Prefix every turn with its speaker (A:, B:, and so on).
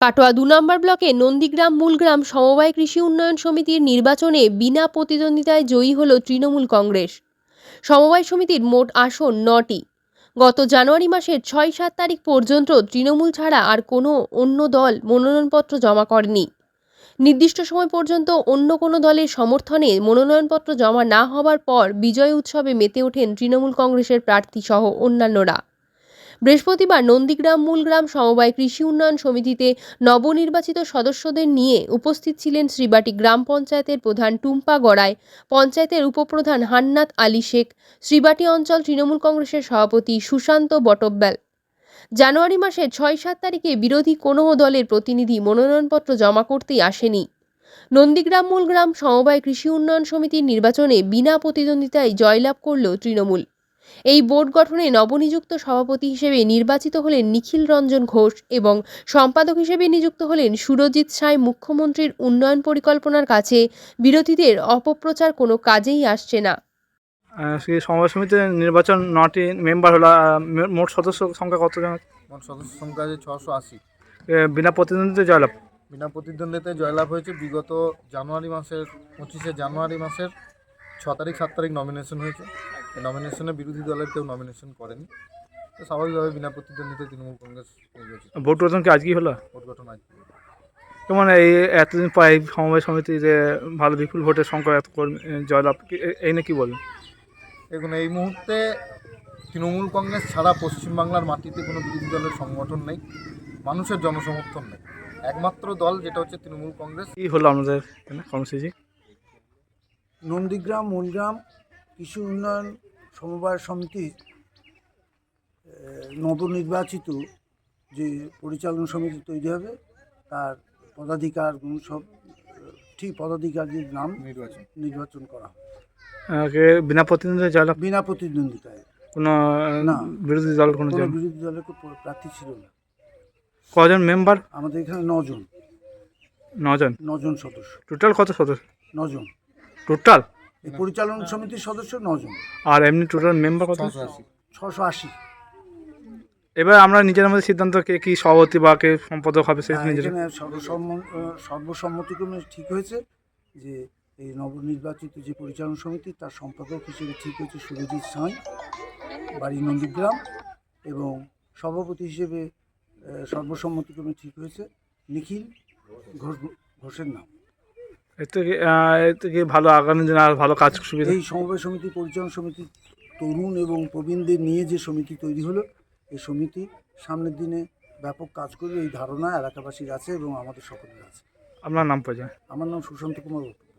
A: কাটোয়া ২ নম্বর ব্লকে নন্দীগ্রাম মূলগ্রাম সমবায় কৃষি উন্নয়ন সমিতির নির্বাচনে বিনা প্রতিদ্বন্দ্বিতায় জয়ী হল তৃণমূল কংগ্রেস। সমবায় সমিতির মোট আসন ৯টি। গত জানুয়ারি মাসের ৬-৭ তারিখ পর্যন্ত তৃণমূল ছাড়া আর কোনো অন্য দল মনোনয়নপত্র জমা করেনি। নির্দিষ্ট সময় পর্যন্ত অন্য কোনো দলের সমর্থনে মনোনয়নপত্র জমা না হওয়ার পর বিজয় উৎসবে মেতে ওঠেন তৃণমূল কংগ্রেসের প্রার্থী সহ অন্যান্যরা। বৃহস্পতিবার নন্দীগ্রাম মূলগ্রাম সমবায় কৃষি উন্নয়ন সমিতিতে নবনির্বাচিত সদস্যদের নিয়ে উপস্থিত ছিলেন শ্রীবাটি গ্রাম পঞ্চায়েতের প্রধান টুম্পা গড়াই, পঞ্চায়েতের উপপ্রধান হান্নাত আলী শেখ, শ্রীবাটি অঞ্চল তৃণমূল কংগ্রেসের সভাপতি সুশান্ত বটব্যাল। জানুয়ারি মাসের ৬-৭ তারিখে বিরোধী কোনো দলের প্রতিনিধি মনোনয়নপত্র জমা করতেই আসেনি। নন্দীগ্রাম মূলগ্রাম সমবায় কৃষি উন্নয়ন সমিতির নির্বাচনে বিনা প্রতিদ্বন্দ্বিতায় জয়লাভ করল তৃণমূল। এই বোর্ড গঠনে নবনিযুক্ত সভাপতি হিসেবে নির্বাচিত হলেন নিখিল রঞ্জন ঘোষ এবং সম্পাদক হিসেবে নিযুক্ত হলেন সুরজিৎ সাঁই। মুখ্যমন্ত্রীর উন্নয়ন পরিকল্পনার কাছে বিরোধীদের অপপ্রচার কোনো কাজেই আসছে না।
B: সেই সমবায় সমিতির নির্বাচন ৯টি মেম্বার হলো। মোট সদস্য সংখ্যা কতজন?
C: মোট সদস্য সংখ্যা আছে 680।
B: বিনা প্রতিদ্বন্দ্বিতায় জয়লাভ।
C: বিনা প্রতিদ্বন্দ্বিতায় জয়লাভ হয়েছে। বিগত জানুয়ারি মাসের 25শে জানুয়ারি মাসের 6 তারিখ 7 তারিখ নমিনেশন হয়েছে। এই নমিনেশনে বিরোধী দলের কেউ নমিনেশন করেনি, তো স্বাভাবিকভাবে বিনা প্রতিদ্বন্দ্বিতায় তৃণমূল কংগ্রেস নির্বাচিত।
B: ভোট গঠন কি আজকেই হলো?
C: ভোট গঠন আজ।
B: যেমন এই এতদিন পর এই সমবায় সমিতি যে ভালো বিপুল ভোটের সংখ্যা এত জয়লাভ, এই নিয়ে কী বলবেন?
C: দেখুন, এই মুহূর্তে তৃণমূল কংগ্রেস ছাড়া পশ্চিমবাংলার মাটিতে কোনো বিরোধী দলের সংগঠন নেই, মানুষের জনসমর্থন নেই। একমাত্র দল যেটা হচ্ছে তৃণমূল কংগ্রেস।
B: কী হলো আপনাদের এখানে কর্মসূচি?
D: নন্দীগ্রাম মূলগ্রাম কৃষি উন্নয়ন সমবায় সমিতির নবনির্বাচিত যে পরিচালন সমিতি তৈরি হবে তার পদাধিকার সব ঠিক পদাধিকারীর নাম নির্বাচন করা হবে।
B: বিনা প্রতিদ্বন্দ্বিতায় জয়লাভ।
D: বিনা প্রতিদ্বন্দ্বিতায়
B: কোনো
D: না,
B: বিরোধী দল কোনো
D: বিরোধী দলের প্রার্থী ছিল না।
B: কজন মেম্বার?
D: আমাদের এখানে 9জন সদস্য।
B: টোটাল কত সদস্য?
D: 9জন
B: টোটাল।
D: এই পরিচালন সমিতির সদস্য 9জন।
B: আর এমনি টোটাল মেম্বার কত?
D: 680।
B: এবার আমরা নিজের মধ্যে সিদ্ধান্ত কে কি সভাপতি বা কে সম্পাদক হবে সেই নিজের।
D: এখানে সর্বসম্মতিক্রমে ঠিক হয়েছে যে এই নবনির্বাচিত যে পরিচালন সমিতি তার সম্পাদক হিসেবে ঠিক হয়েছে সুরজিৎ সাঁই, বাড়ি নন্দীগ্রাম, এবং সভাপতি হিসেবে সর্বসম্মতিক্রমে ঠিক হয়েছে নিখিল ঘোষের নাম।
B: এতে কি ভালো আগামী দিনে আর ভালো কাজ সুবিধা?
D: এই সমবায় সমিতি পরিচালন সমিতি তরুণ এবং প্রবীণদের নিয়ে যে সমিতি তৈরি হলো, এই সমিতি সামনের দিনে ব্যাপক কাজ করবে এই ধারণা এলাকাবাসীর আছে এবং আমাদের সকলের আছে।
B: আপনার নাম পরিচয়?
D: আমার নাম সুশান্ত কুমার।